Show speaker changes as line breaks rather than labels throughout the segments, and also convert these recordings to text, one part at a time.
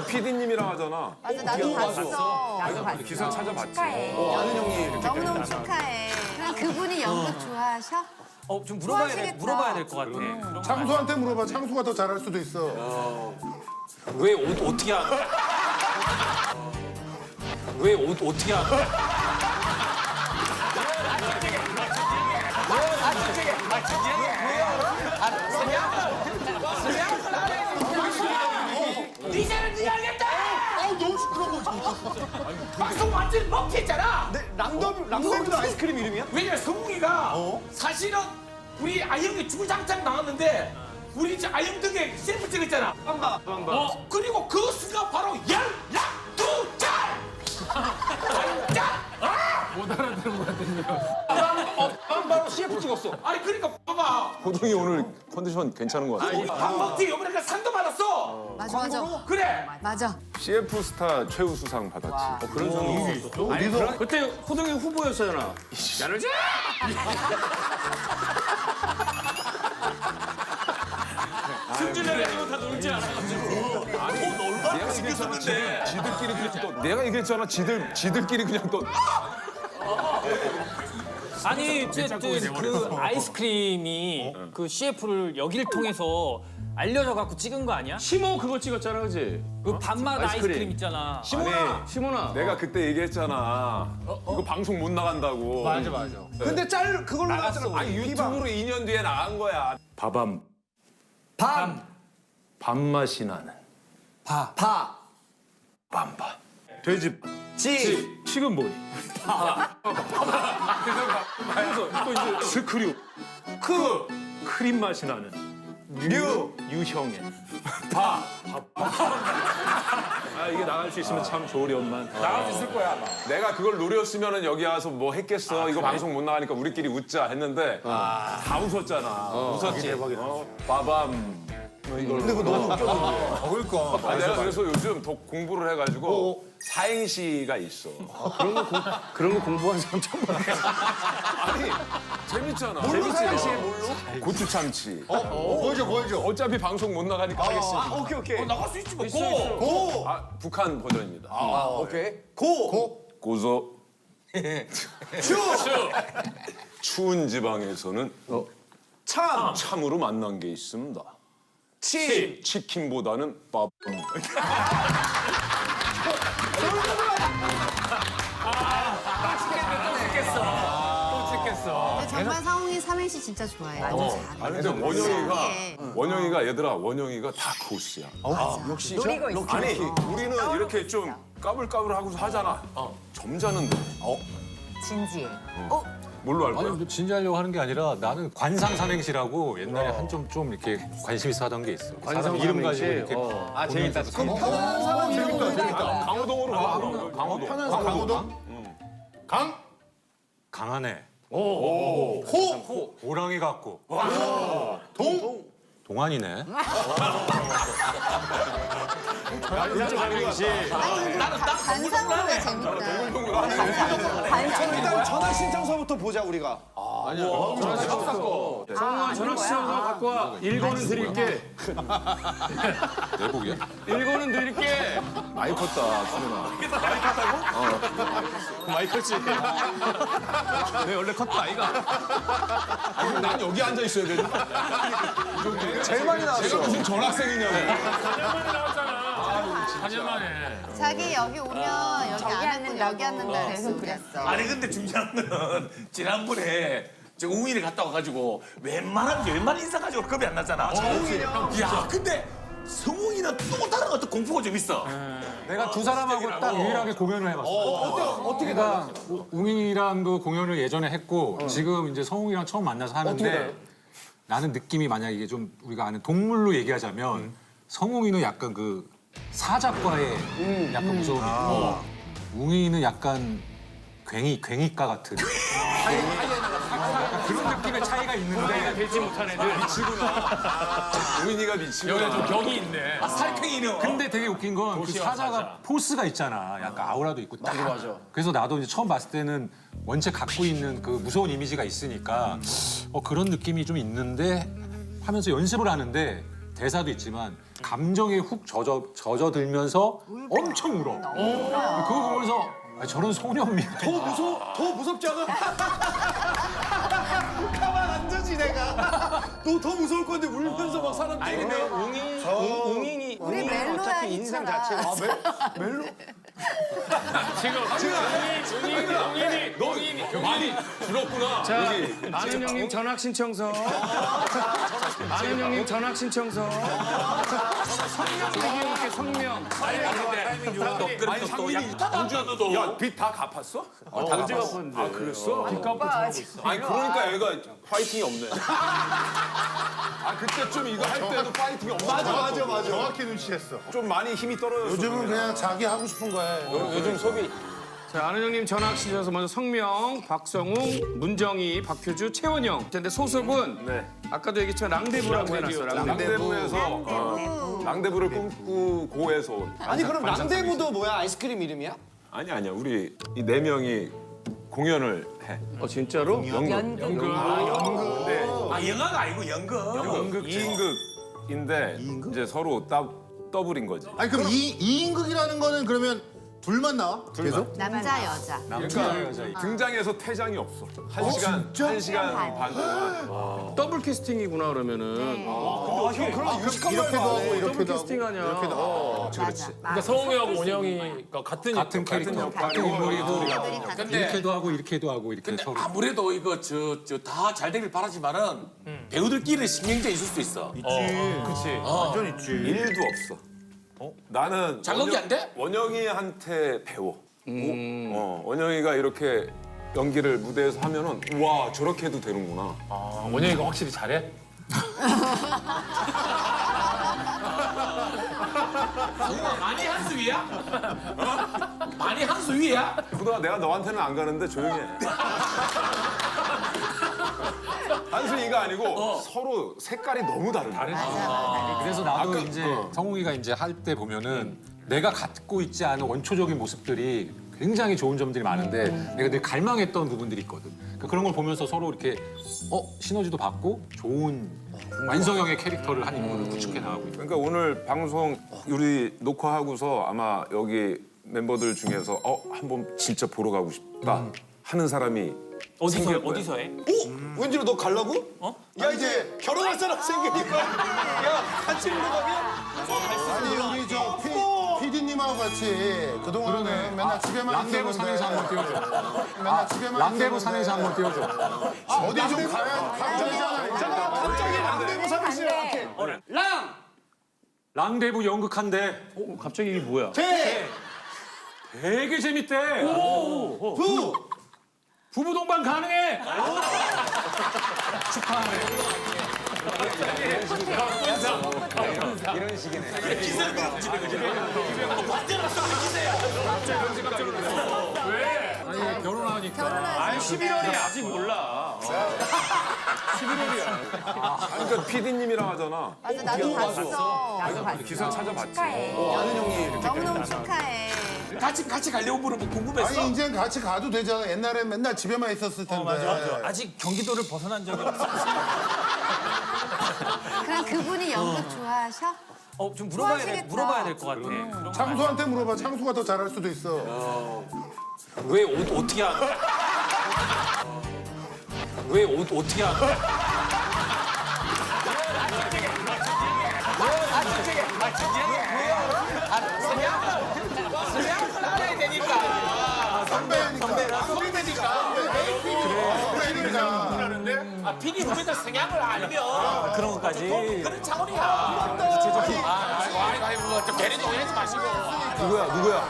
PD님이랑 하잖아.
맞아, 나도 봤어.
나도 봤어.
기사 찾아봤지.
축하해.
너무너무 축하해. 그럼 그분이 연극 좋아하셔?
좀
좋아하시겠다.
물어봐야 될 것 같아. 그런 거
창수한테 물어봐. 창수가 더 잘할 수도 있어.
왜 어떻게 하는? 왜 어떻게 하는?
니자는 니가 알겠다!
너무 시끄러워.
방송 완전 먹튀했잖아!
랑더비도 아이스크림 이름이야?
왜냐면 성웅이가 사실은 우리 아영이 주구장창 나왔는데 우리 이제 아영 등에 셀프 찍었잖아. 그리고 그 수가 바로 열락두짤!
못 알아들은 것 같은데요.
바로 CF 찍었어.
아니 그러니까 봐봐.
호동이 오늘 컨디션 괜찮은 것 같아.
방먹튀 이번에 상도 받았어.
맞아, 맞아.
그래.
맞아.
CF 스타 최우수상 받았지.
그런 상황이 있었어? 아니, 그때 호동이 후보였잖아.
야르자! 승준이랑 이거 다 놀지 않아?
내가 얘기했잖아. 지들끼리 그냥 또 내가 얘기했잖아. 지들끼리 그냥 또.
아니 어쨌든 그 아이스크림이 그 CF를 여기를 통해서 알려져 갖고 찍은 거 아니야?
시모 그거 찍었잖아, 그지?
그 밤맛
아이스크림.
아이스크림 있잖아.
시모나.
내가 그때 얘기했잖아. 이거 방송 못 나간다고.
맞아.
근데 그걸로 나갔잖아.
아니 유튜브로 2년 뒤에 나간 거야.
밤. 밤맛이 나는. 밤바.
돼지.
지금 뭐니? 그래서 또 이제 스크류. 크림 맛이 나는. 유형의. 이게 나갈 수 있으면 참 좋으련만.
나갈 수 있을 거야. 내가 그걸 노렸으면은 여기 와서 뭐 했겠어. 이거 방송 못 나가니까 우리끼리 웃자 했는데 다 웃었잖아. 웃었지. 대박이다. 빠밤.
근데 그거 너무 웃겨. 그러니까.
내가 그래서 요즘 더 공부를 해가지고 사행시가 있어.
그런 거 공부하는 사람 처음 봤어.
아니 재밌잖아.
뭘로 사행시 뭘로?
고추참치.
보여줘.
어차피 방송 못 나가니까 하겠습니다.
오케이.
나갈 수 있지 뭐. 고!
고.
북한 버전입니다.
오케이. 고.
고소. 추운 지방에서는 참으로 만난 게 있습니다. 치킨보다는 밥.
근데 정말 상홍이 삼행시 진짜 좋아해.
아니 근데 원영이가 얘들아 원영이가 다 코스야.
역시.
노리고 있어.
아니 우리는 이렇게 좀 까불까불하고서 하잖아. 점잖은데.
진지해.
뭘로 할 거야?
아니, 진지하려고 하는 게 아니라 나는 관상 삼행시라고 옛날에 한 좀 이렇게 관심 있어 하던 게 있어. 사람 이름 가지고 이렇게.
재밌다.
편안한 상황 재밌다.
강호동으로 가. 강호동.
편한 상황. 강호동? 강?
강하네.
호.
호랑이 같고.
동?
동안이네.
관상으로가 재밌다.
일단 전화 신청서부터 보자 우리가.
정아 전화 시청서 갖고 와. 1권은 드릴게.
내복이야?
1권은 드릴게.
많이 컸다 수민아.
많이 컸지.
내 원래 컸다 아이가. 난 여기 앉아 있어야 되는.
제일 많이 나왔어.
무슨 전학생이냐고.
4년 만에.
자기 여기 오면 여기 안 앉고 여기 앉는다 그래서 그랬어.
아니 근데 중요한 거는 지난번에 저 웅이를 갔다 와가지고 웬만한 인사 가지고 겁이 안 나잖아. 야 근데 성웅이는 또 다른 어떤 공포가 좀 있어.
내가 두 사람하고 딱 유일하게 공연을 해봤어. 어떻게 내가 웅이랑도 공연을 예전에 했고 지금 이제 성웅이랑 처음 만나서 하는데 나는 느낌이 만약 이게 좀 우리가 아는 동물로 얘기하자면 성웅이는 약간 그 사자과의 약간 무서움이 있고 웅이는 약간 괭이과 같은 약간 그런 느낌의 차이가 있는데
되지 못한 애들.
우민이가 미치고.
여기가 좀 격이 있네.
살팽이는.
근데 되게 웃긴 건 그 사자가 포스가 있잖아. 약간 아우라도 있고 딱. 그래서 나도 이제 처음 봤을 때는 원체 갖고 있는 그 무서운 이미지가 있으니까 그런 느낌이 좀 있는데 하면서 연습을 하는데 대사도 있지만 감정에 훅 젖어들면서 엄청 울어. 그거 보면서 아, 저런 소년미가
더 무섭지 않아? 가만 안 두지 내가. 너 더 무서울 건데 울면서 막 사람
아니 근데 웅인이
우리 멜로야
어차피 인상 자체가 멜로?
너 많이 줄었구나.
자, 아는 형님 전학 신청서. 아는 형님 전학 신청서. 성명 얘기해볼게 성명.
아니 상민이 공주도 야빚 다 갚았어?
언제 갚았는데?
아 그랬어? 아니 그러니까 얘가 파이팅이 없네. 아 그때쯤 이거 할 때도 파이팅이 없어.
맞아. 정확히 눈치챘어.
좀 많이 힘이 떨어졌어.
요즘은 그냥 자기 하고 싶은 거 해.
요즘 소비.
자, 아는 형님 전학 신청서 먼저 성명, 박성웅, 문정희, 박효주, 최원영. 근데 소속은
네.
아까도 얘기했지만 랑데부라고 해놨어요. 랑데부.
랑데부에서 랑데부를 꿈꾸고 해서 온.
아니 그럼 랑데부도 뭐야? 아이스크림 이름이야?
아니야 우리 이 네 명이 공연을 해.
진짜로?
연극.
아 영화가 아니고 연극.
2인극인데 이제 서로 더블인 거지.
아니 그럼 이 2인극이라는 거는 그러면 둘만 나와? 계속?
남자 여자.
그러니까 등장해서 퇴장이 없어. 한 시간 반 동안.
더블 캐스팅이구나 그러면은.
이렇게도 하고
더블
이렇게도 하고.
캐스팅하냐.
맞아.
그러니까 성웅이하고 온영이가 같은
캐릭터, 같은 인물이고
근데
이렇게도 하고 이렇게도 하고 이렇게
근데
서로.
아무래도 이거 다 잘 되길 바라지만은 배우들끼리 신경전 있을 수도 있어.
완전 있지.
일도 없어. 나는
자극이 안 돼?
원영이한테 배워. 원영이가 이렇게 연기를 무대에서 하면은 와 저렇게 해도 되는구나.
원영이가 확실히 잘해?
많이 한 수 위야? 많이 한 수 위야?
그동아 내가 너한테는 안 가는데 조용히 해. 한순이가 아니고 서로 색깔이 너무 다르네.
그래서 나도 이제 성웅이가 이제 할 때 보면은 내가 갖고 있지 않은 원초적인 모습들이 굉장히 좋은 점들이 많은데 내가 늘 갈망했던 부분들이 있거든. 그러니까 그런 걸 보면서 서로 이렇게 시너지도 받고 좋은 완성형의 캐릭터를 한 인물을 구축해 나가고 있고.
그러니까 오늘 방송 우리 녹화하고서 아마 여기 멤버들 중에서 한번 진짜 보러 가고 싶다 하는 사람이
어디서 해?
왠지로 너 갈라고? 야 이제 결혼할 사람 생기니까 야 같이 보러 가면
아니 우리 저 PD님하고 같이 그동안은 맨날 집에만
랑데부
있었는데
산에서 한번 띄워줘.
맨날 집에만
랑데부
있었는데
산에서 한번 띄워줘.
어디 좀 가야
갑자기 랑데부 사는 씨한테
랑데부 연극한대.
갑자기 이게 뭐야?
되게 재밌대. 부부 동반 가능해. 아니 결혼하니까.
11월이 아직 몰라.
그러니까 PD님이랑 하잖아.
맞아 나도 봤어.
기사 찾아봤지.
너무너무 축하해.
같이 가려고 물어보면 궁금했어.
아니 이제 같이 가도 되잖아. 옛날엔 맨날 집에만 있었을 텐데.
아직 경기도를 벗어난 적이 없어.
그럼 그분이 연극 좋아하셔?
좀
좋아하시겠다.
물어봐야 될 것 같아. 그런 거
창수한테 물어봐. 창수가 더 잘할 수도 있어.
왜 어떻게 하는? 왜 어떻게 하는? 알아야 되니까.
선배니까.
아 PD 후배들 성향을 알면
그런 것까지.
그런 차원이야. 아이고 좀 괜히 오해하지 마시고.
누구야?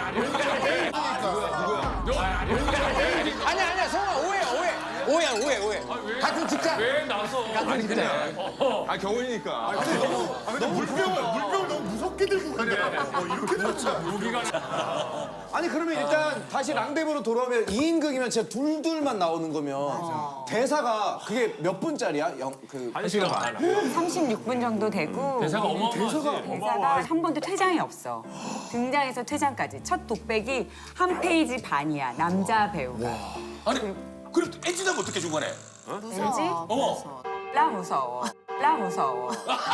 아니야 성아 오해. 같은 직장.
왜 나서?
아 경훈이니까.
물병 너무 무섭게 들고 가냐. 이렇게 놓자.
아니 그러면 일단 다시 랑데부로 돌아오면 2인극이면 진짜 둘만 나오는 거면 대사가 그게 몇 분짜리야?
한 시간 반.
36분 정도 되고
대사가 어마어마하지.
대사가 한 번도 퇴장이 없어. 등장에서 퇴장까지. 첫 독백이 한 페이지 반이야. 남자 배우가.
아니 그럼 엔지는 어떻게 중간에?
무서워.
나 무서워. 나 무서워.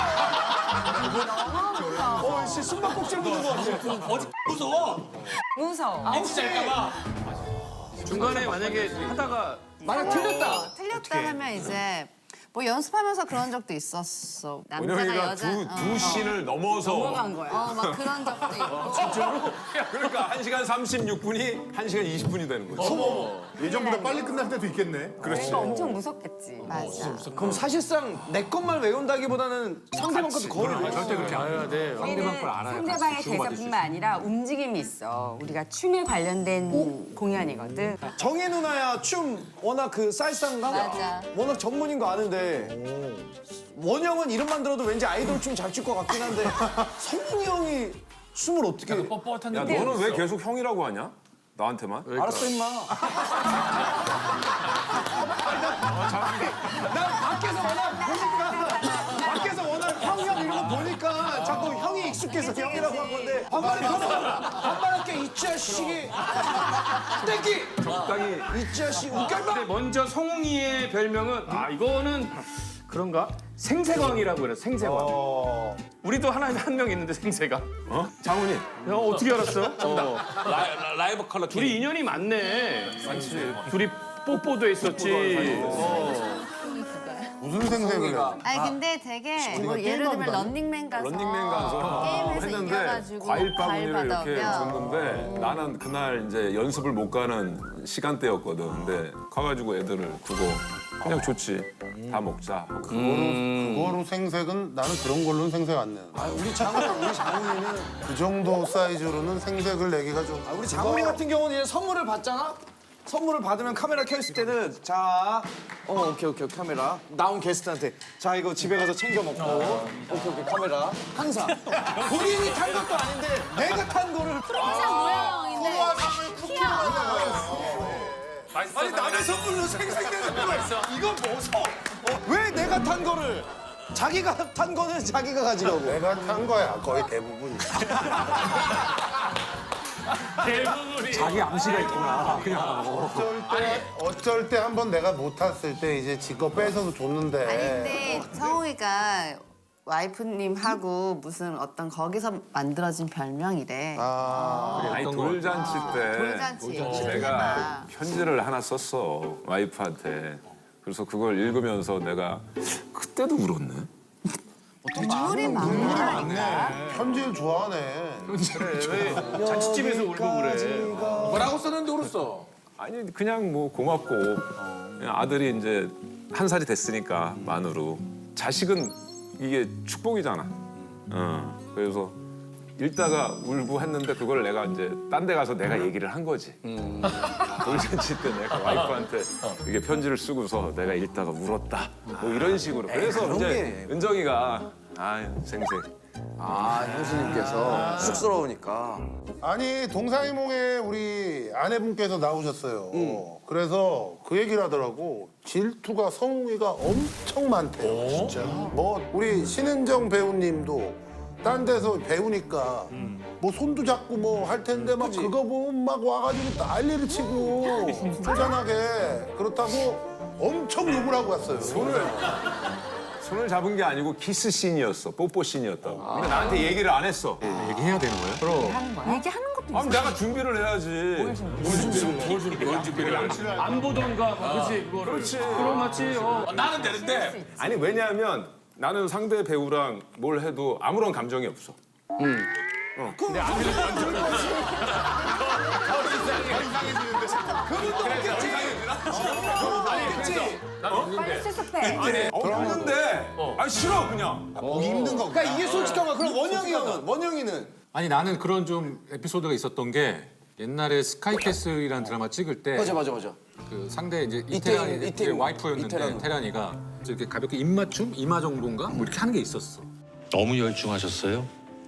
씨 숨바꼭질 부는 거 같아.
어디 무서워?
무서워.
MC 잘까봐.
중간에 만약에 하다가
만약 틀렸다.
틀렸다 하면 이제 뭐 연습하면서 그런 적도 있었어. 남자가
원영이가
여자
두 씬을 넘어서
넘어간 거야.
막 그런 적도 있고.
그러니까 1시간 36분이 1시간 20분이 되는 거지.
예전보다 빨리 끝날 때도 있겠네.
그러니까 엄청 무섭겠지.
맞아.
그럼 사실상 내 것만 외운다기보다는 상대방 것도 거의 외워.
절대 그렇게 안 해야 돼. 상대방 걸 알아야
상대방의 대사뿐만 아니라 움직임이 있어. 우리가 춤에 관련된 공연이거든.
정혜 누나야 춤 워낙 그 사이즈상가
맞아.
워낙 전문인 거 아는데 원영은 이름만 들어도 왠지 아이돌 춤 잘 출 것 같긴 한데 성웅이 형이 춤을 어떻게
야 너는 왜 계속 형이라고 하냐? 나한테만?
알았어 임마. 난 밖에서 워낙 형 이런 거 보니까 자꾸 형이 익숙해서 형이라고 한 건데 반말할게 이 자식이 땡기
적당히
이 자식 웃겨봐.
근데 먼저 성웅이의 별명은 이거는 그런가? 생세광이라고 그래. 생세광. 우리도 하나 한 명 있는데 생세광.
장훈이
야 어떻게 알았어?
라이브 컬러
둘이 인연이 많네. 둘이 뽀뽀도 했었지.
무슨 생색을 해?
아니 근데 되게 뭐 예를 들면 런닝맨 가서
런닝맨 가서
게임에서
했는데
이겨가지고
과일 바구니를 이렇게
받으면
줬는데 나는 그날 이제 연습을 못 가는 시간대였거든. 근데 가가지고 애들을 두고 그냥 좋지. 다 먹자.
그거로 생색은 나는 그런 걸로는 생색 안 내.
우리 장훈이는
그 정도 사이즈로는 생색을 내기가 좀.
우리 장훈이 같은 경우는 이제 선물을 받잖아. 선물을 받으면 카메라 켜있을 때는 자, 오케이 카메라 나온 게스트한테 자 이거 집에 가서 챙겨 먹고 오케이 카메라 항상 본인이 탄 것도 아닌데 내가 탄 거를
항상 모양인데
아니 남의 선물로 생색내는 거야. 이건 무서워. 왜 내가 탄 거를 자기가 탄 거는 자기가 가지고
내가 탄 거야 거의 대부분이.
자기 암시가 있구나. 그냥.
어쩔 때 한번 내가 못 탔을 때 이제 지 거 뺏어서 줬는데.
아니 근데 성우이가 와이프님하고 무슨 어떤 거기서 만들어진 별명이래.
아니 돌잔치 때
돌잔치
내가
얘기해봐.
편지를 하나 썼어 와이프한테. 그래서 그걸 읽으면서 내가 그때도 울었네.
눈물이 많아.
편지를 좋아하네.
자취집에서 울고 그래.
뭐라고 썼는데 울었어?
아니 그냥 뭐 고맙고 그냥 아들이 이제 1살이 됐으니까 만으로 자식은 이게 축복이잖아. 그래서 읽다가 울고 했는데 그걸 내가 이제 딴 데 가서 내가 얘기를 한 거지. 돌잔치 때 내가 와이프한테 이게 편지를 쓰고서 내가 읽다가 울었다. 뭐 이런 식으로. 그래서 이제 은정이가 생색.
형수님께서 쑥스러우니까
아니 동상이몽에 우리 아내분께서 나오셨어요. 그래서 그 얘기를 하더라고. 질투가 성웅이가 엄청 많대요. 진짜. 뭐 우리 신은정 배우님도 딴 데서 배우니까 뭐 손도 잡고 뭐 할 텐데 막 그거 보면 막 와가지고 난리를 치고 쪼잔하게 그렇다고 엄청 욕을 하고 갔어요.
손을 잡은 게 아니고 키스 씬이었어. 뽀뽀 씬이었다고. 근데 나한테 얘기를 안 했어.
얘기해야 되는 거예요?
얘기하는 것도
아니 내가 준비를 해야지.
안 보던가 그렇지 그거를.
그렇지.
그럼 맞지.
나는 되는데
아니 왜냐하면 나는 상대 배우랑 뭘 해도 아무런 감정이 없어.
빨리 수습해.
없는데 싫어 그냥.
보기 힘든 거.
그러니까 이게 솔직한 거야. 그럼 원영이는
아니 나는 그런 좀 에피소드가 있었던 게 옛날에 스카이캐슬이라는 드라마 찍을 때
맞아.
그 상대 이제
이태원,
이태란 와이프였는데
이태란.
태란이가 이렇게 가볍게 입맞춤 이마 정도인가 뭐 이렇게 하는 게 있었어.
너무 열중하셨어요?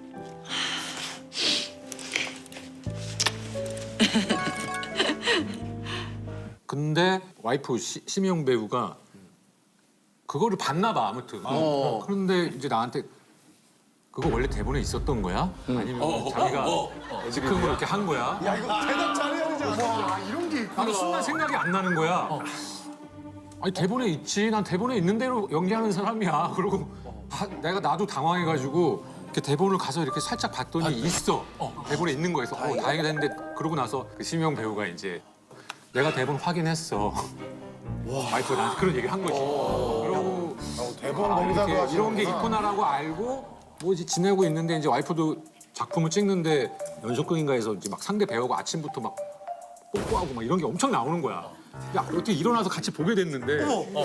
근데 와이프 심영 배우가 그거를 봤나 봐 아무튼. 그런데 이제 나한테 그거 원래 대본에 있었던 거야? 아니면 자기가 즉흥으로 이렇게 한 거야?
야 이거 대답 잘해야 되지 않아?
나도 순간 생각이 안 나는 거야. 아니 대본에 있지. 난 대본에 있는 대로 연기하는 사람이야. 그러고 나도 당황해가지고 이렇게 대본을 가서 이렇게 살짝 봤더니 있어. 대본에 있는 거에서 다행이다 했는데 그러고 나서 그 심영 배우가 이제 내가 대본 확인했어. 와이프가 나한테 그런 얘기를 한 거지. 그러고
대본 검사도
이렇게
하시는
이런 게 있구나라고 알고 뭐 이제 지내고 있는데 이제 와이프도 작품을 찍는데 연속극인가에서 이제 막 상대 배우가 아침부터 막 뽀뽀하고 막 이런 게 엄청 나오는 거야. 야, 어떻게 일어나서 같이 보게 됐는데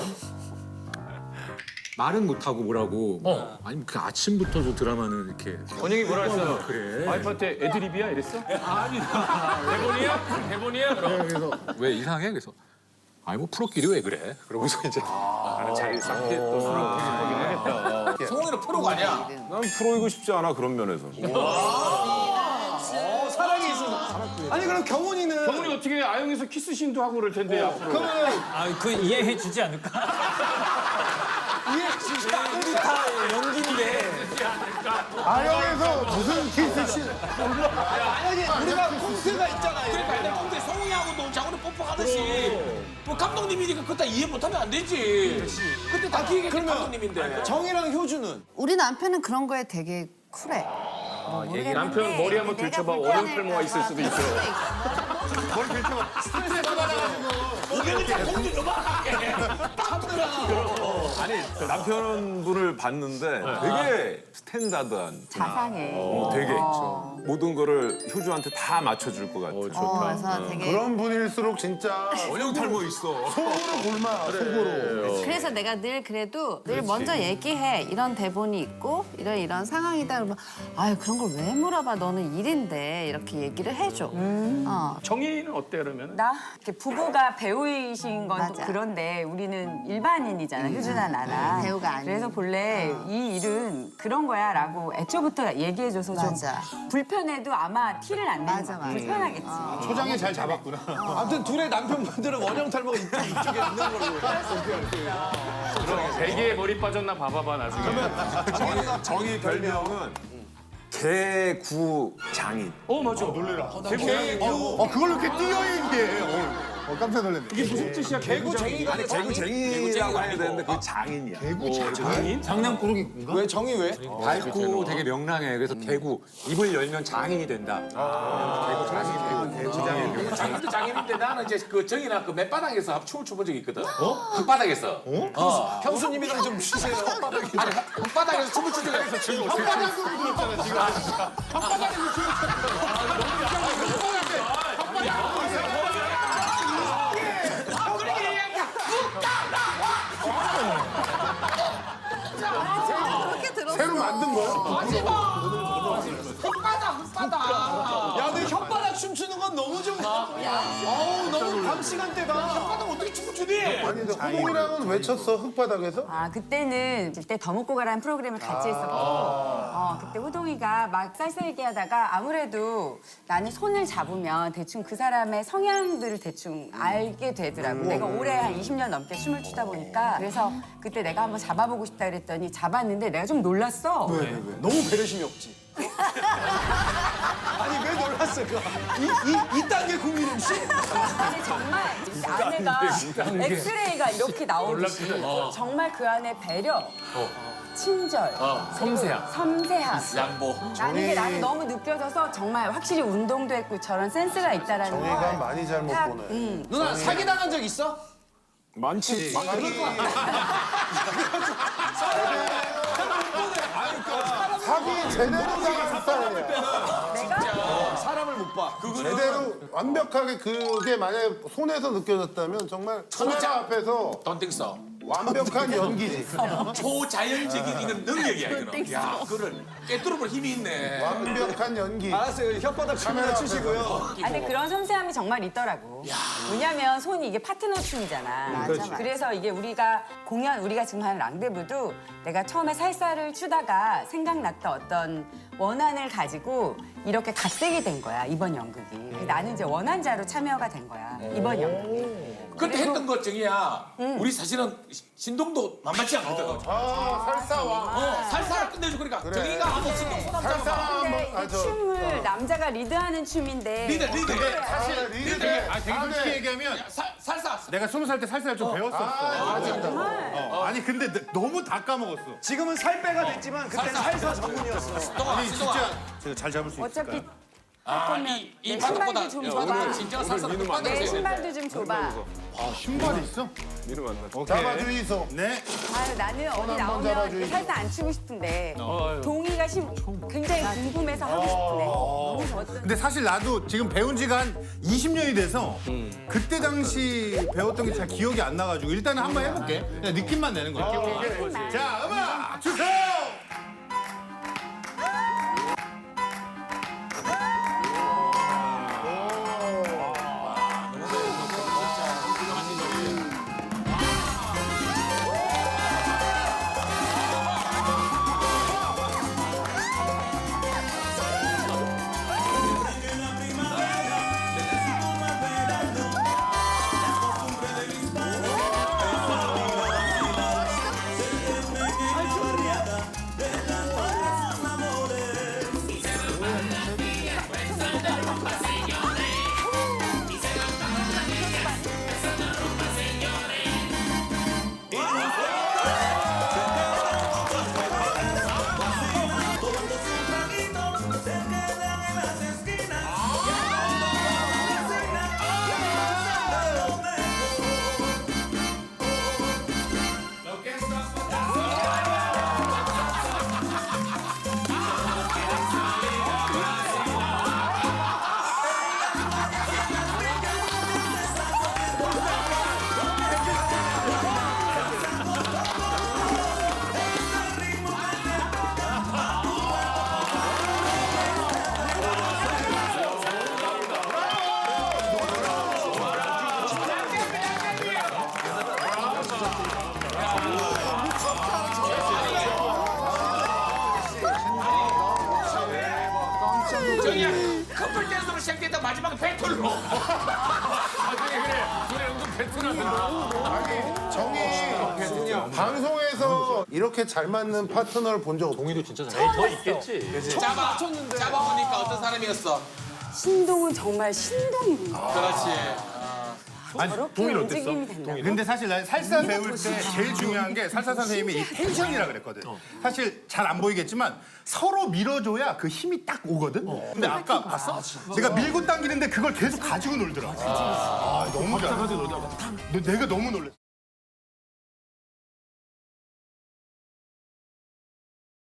말은 못하고 뭐라고 아니 그 아침부터 저 드라마는 이렇게
원영이 뭐라 했어?
그래.
와이프한테 애드립이야 이랬어?
아니다.
대본이야? 대본이야? 그럼.
그래서 왜 이상해? 그래서 아니 뭐 프로끼리 왜 그래? 그러고서 이제 나는 자기 싹게 또 술을 먹긴 하겠다.
성훈이는 프로가 아니야.
난 프로이고 싶지 않아 그런 면에서.
사랑이 있어. 아니 그럼 경훈이는
성훈이 어떻게 아영에서 키스신도 하고 그럴 텐데 앞으로.
그러면
그 이해해 주지 않을까?
우리 다 연기인데.
아영에서 무슨 키스씬?
아니 우리가 콘트가 있잖아요.
그러니까 내가 근데 성훈이하고도 자고로 뽀뽀하듯이 뭐 감독님이니까 그때 이해 못하면 안 되지. 그때 다 기획했던 감독님인데.
정이랑 효주는
우리 남편은 그런 거에 되게 쿨해.
남편 머리 한번 들춰봐. 원형 탈모가 있을 수도 있어. 오경이 다 공주 요만하게.
아니 남편분을 봤는데 되게 스탠다드한.
자상해.
되게 모든 거를 효주한테 다 맞춰줄 것 같아.
그래서 되게
그런 분일수록 진짜
원형 탈모 있어.
속으로 골마 속으로.
그래서 내가 늘 그래도 늘 먼저 얘기해. 이런 대본이 있고 이런 상황이다. 그러면 아유 그런 걸 왜 물어봐. 너는 일인데 이렇게 얘기를 해줘.
정의는 어때 그러면?
나 이렇게 부부가 배우이신 건 또
맞아.
그런데 우리는 일반인이잖아, 효주나 나랑.
배우가 아니야.
그래서 본래 이 일은 그런 거야라고 애초부터 얘기해줘서 좀
맞아.
불편해도 아마 티를 안 내는
맞아,
거야.
맞아.
불편하겠지.
초장에 잘 잡았구나.
아무튼 둘의 남편분들은 원형 탈모가 이쪽에 있는 걸로.
베개에 머리 빠졌나 봐봐봐 나중에.
정의 별명은 개구 장인.
맞아. 놀래라.
그걸 이렇게 띄어 얘기해. 깜짝 놀랐네.
이게 무슨 뜻이야?
개구쟁이가
아니 개구쟁이라고 해야 되는데 그 장인이야.
왜 정이 왜?
밝고 되게 명랑해. 그래서 개구 입을 열면 장인이 된다. 개구 장인, 개구 장인.
장인도 장인인데 나는 이제 그 정이나 그 맨바닥에서 춤을 춰본 적이 있거든. 흙바닥에서.
형수님이랑 좀 쉬세요.
아니 흙바닥에서 춤을 춘 적이 있어. 지금 흙바닥으로 그랬잖아 지금. 흙바닥에서 춤을
그렇게 들었어.
새로 만든 거야?
흙바닥.
야, 근데 혓바닥 춤추는 건 너무 좀. 어우, 너무 밤 시간대다.
흙바닥 어떻게 춤을 추니?
아니 근데 호동이랑은 왜 쳤어 흙바닥에서?
아, 그때는 그때 더 먹고 가라는 프로그램을 같이 했었고 그때 호동이가 막 쌀쌀기 하다가 아무래도 나는 손을 잡으면 대충 그 사람의 성향들을 대충 알게 되더라고. 내가 올해 한 20년 넘게 춤을 추다 보니까 그래서 그때 내가 한번 잡아보고 싶다 그랬더니 잡았는데 내가 좀 놀랐어.
왜? 너무 배려심이 없지. 아니, 왜 놀랐을까? 이딴 게 국민 MC?
아니 정말 아내가 엑스레이가 이렇게 나오듯이 정말 그 안에 배려, 친절, 섬세함.
양보.
나는 너무 느껴져서 정말 확실히 운동도 했고 저런 센스가 있다라는 걸.
정의가 많이 잘못
딱,
보네.
누나 사기당한 적 있어?
많지.
사기 제대로 당한 스타일이야.
내가
사람을 못 봐.
제대로 완벽하게 그게 만약에 손에서 느껴졌다면 정말 카메라 앞에서
Don't think so.
완벽한 연기지.
초자연적인 이건 능력이야 이거는. 야, 그거를 깨뚫어볼 힘이 있네.
완벽한 연기.
알았어요. 혓바닥 카메라 치시고요.
아니 근데 그런 섬세함이 정말 있더라고. 왜냐면 손이 이게 파트너 춤이잖아.
맞아.
그래서 이게 우리가 지금 하는 랑데부도 내가 처음에 살살을 추다가 생각났던 어떤 원한을 가지고 이렇게 갓생이 된 거야 이번 연극이. 나는 이제 원한자로 참여가 된 거야 이번 연극이.
그때 했던 것 중이야. 우리 사실은 신동도 만만치 않거든.
살사와.
살살을 끝내줘. 그러니까 정의가 한번 신동 손 한번
살사
잡아봐.
근데
한번.
이 춤을 남자가 리드하는 춤인데
리더.
사실 리드.
되게 솔직히
얘기하면
살사.
내가 20살 때 살살 좀 배웠었어. 아니 근데 너무 다 까먹었어.
지금은 살빼가 됐지만 그때는 살사 전문이었어.
아니 진짜 제가 잘 잡을 수 있을까요?
어차피 할 거면 내 신발도 좀 줘봐. 내 신발도 좀 줘봐.
아 신발이 있어?
민우 만나.
잡아주이소.
네.
아유, 나는 어디
한번
나오면
잡아주이소.
살짝 안 치고 싶은데 동의가 굉장히 궁금해서 하고 싶은데 너무 어떤
근데 사실 나도 지금 배운 지가 한 20년이 돼서 그때 당시 배웠던 게 잘 기억이 안 나가지고 일단은 한번 해볼게. 그냥 느낌만 내는 거야. 자 음악 주세요.
저기야 커플 댄스로 시작됐다 마지막에 배틀로.
나중에 그래. 둘이 은근 배틀하는.
정이 방송에서 이렇게 잘 맞는 파트너를 본 적 없어.
동의도 진짜 잘.
더 있겠지.
잡아보니까 어떤 사람이었어?
신동은 정말 신동이구나.
그렇지.
저렇게 움직임이 된다.
근데 사실 나 살사 배울 때 제일 중요한 게 살사 선생님이 이 텐션이라 그랬거든. 사실 잘 안 보이겠지만 서로 밀어줘야 그 힘이 딱 오거든. 근데 아까 봤어? 제가 밀고 당기는데 그걸 계속 가지고 놀더라. 아, 너무 잘해. 내가 너무 놀랐어.